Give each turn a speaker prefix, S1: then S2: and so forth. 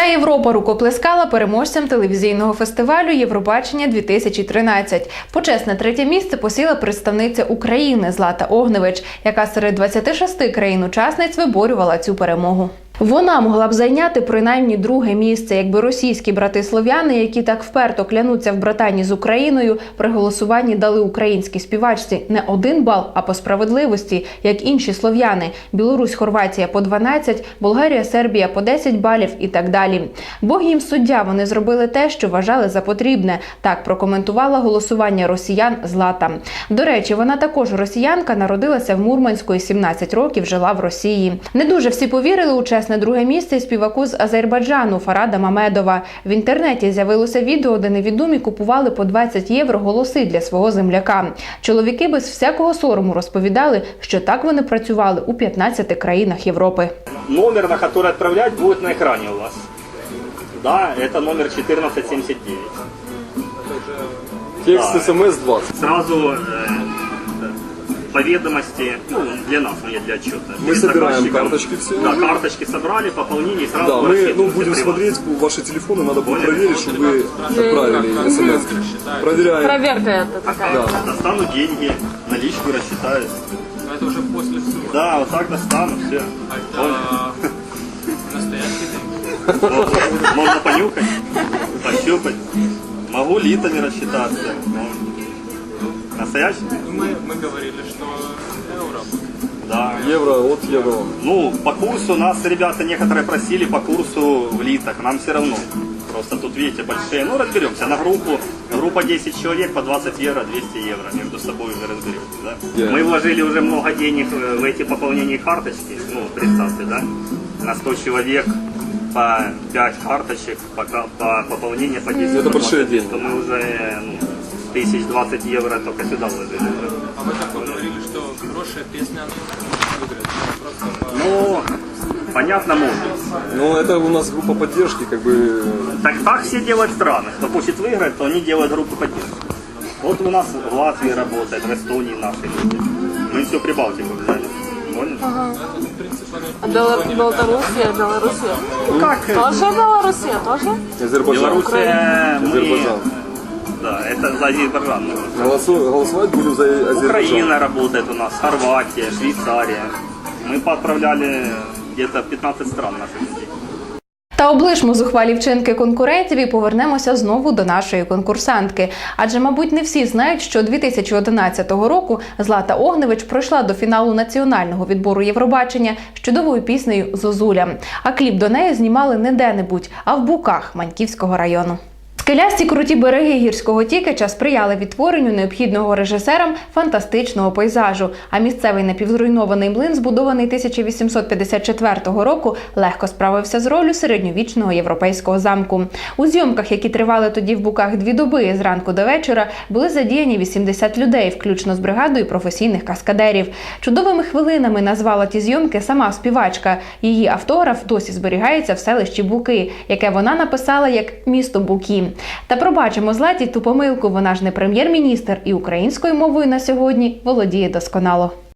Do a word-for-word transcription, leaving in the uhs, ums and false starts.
S1: Вся Європа рукоплескала переможцям телевізійного фестивалю «Євробачення дві тисячі тринадцять». Почесне третє місце посіла представниця України Злата Огневич, яка серед двадцяти шести країн-учасниць виборювала цю перемогу. Вона могла б зайняти принаймні друге місце, якби російські брати-слов'яни, які так вперто клянуться в братанні з Україною, при голосуванні дали українській співачці не один бал, а по справедливості, як інші слов'яни – Білорусь, Хорватія по дванадцять, Болгарія, Сербія по десять балів і так далі. Бог їм суддя, вони зробили те, що вважали за потрібне. Так прокоментувала голосування росіян Злата. До речі, вона також росіянка, народилася в Мурманську і сімнадцять років жила в Росії. Не дуже всі повірили у чесне друге місце співаку з Азербайджану Фарада Мамедова. В інтернеті з'явилося відео, де невідомі купували по двадцять євро голоси для свого земляка. Чоловіки без всякого сорому розповідали, що так вони працювали у п'ятнадцяти країнах Європи.
S2: Номер, на який відправляти, буде на екрані у вас. Да, це номер чотирнадцять сімдесят дев'ять.
S3: Текст да. СМС двадцать.
S2: Сразу э, по ведомости, ну, для нас, не для отчета.
S3: Мы собираем карточки все.
S2: Да, карточки собрали, пополнение сразу.
S3: Да, мы ну, будем смотреть ваши телефоны, надо будет проверить, чтобы вы отправили смс. Проверяем.
S4: Проверка это такая.
S2: Да. Достану деньги, наличку рассчитаю.
S5: Это уже после суда.
S2: Да, вот так достану, все.
S5: Это настоящий день.
S2: Можно понюхать, пощупать. Могу литами рассчитаться. Настоящий?
S5: Мы, мы говорили, что евро.
S2: Да.
S3: Евро от евро.
S2: Ну, по курсу нас ребята некоторые просили по курсу в литах. Нам все равно. Просто тут, видите, большие. Ну, разберемся. На группу, группа десять человек по двадцать евро, двести евро. Между собой уже разберемся, да? Yeah. Мы вложили уже много денег в эти пополнения карточки. Ну, представьте, да? На сто человек по пять карточек, по, по пополнению по десять.
S3: Это большие деньги.
S2: То мы уже, ну, тысяч двадцать евро только сюда вложили.
S5: А вы так говорили, что хорошая песня,
S2: ну, понятно, может.
S3: Ну, это у нас группа поддержки, как бы...
S2: Так, так все делают в странах. Кто хочет выиграть, то они делают группу поддержки. Вот у нас в Латвии работает, в Эстонии наши люди. Мы все Прибалтику взяли. Понял?
S4: Ага. А Белоруссия, Белоруссия.
S2: Ну, как?
S4: Тоже Белоруссия, тоже?
S3: Азербайджан.
S2: Белоруссия, мы...
S3: Азербайджан.
S2: Да, это за Азербайджан.
S3: Голосу... Голосовать будем за Азербайджан.
S2: Украина работает у нас, Хорватия, Швейцария. Мы поотправляли где-то п'ятнадцять стран наших людей.
S1: Та облишмо зухвалі вчинки конкурентів і повернемося знову до нашої конкурсантки. Адже, мабуть, не всі знають, що дві тисячі одинадцятого року Злата Огневич пройшла до фіналу національного відбору Євробачення з чудовою піснею «Зозуля». А кліп до неї знімали не де-небудь, а в Буках Маньківського району. Скелясті круті береги гірського Тікача сприяли відтворенню необхідного режисерам фантастичного пейзажу, а місцевий напівзруйнований млин, збудований тисяча вісімсот п'ятдесят четвертого року, легко справився з роллю середньовічного європейського замку. У зйомках, які тривали тоді в Буках дві доби, зранку до вечора, були задіяні вісімдесят людей, включно з бригадою професійних каскадерів. Чудовими хвилинами назвала ті зйомки сама співачка. Її автограф досі зберігається в селищі Буки, яке вона написала як «Місто Буки». Та пробачимо Златі ту помилку, вона ж не прем'єр-міністр і українською мовою на сьогодні володіє досконало.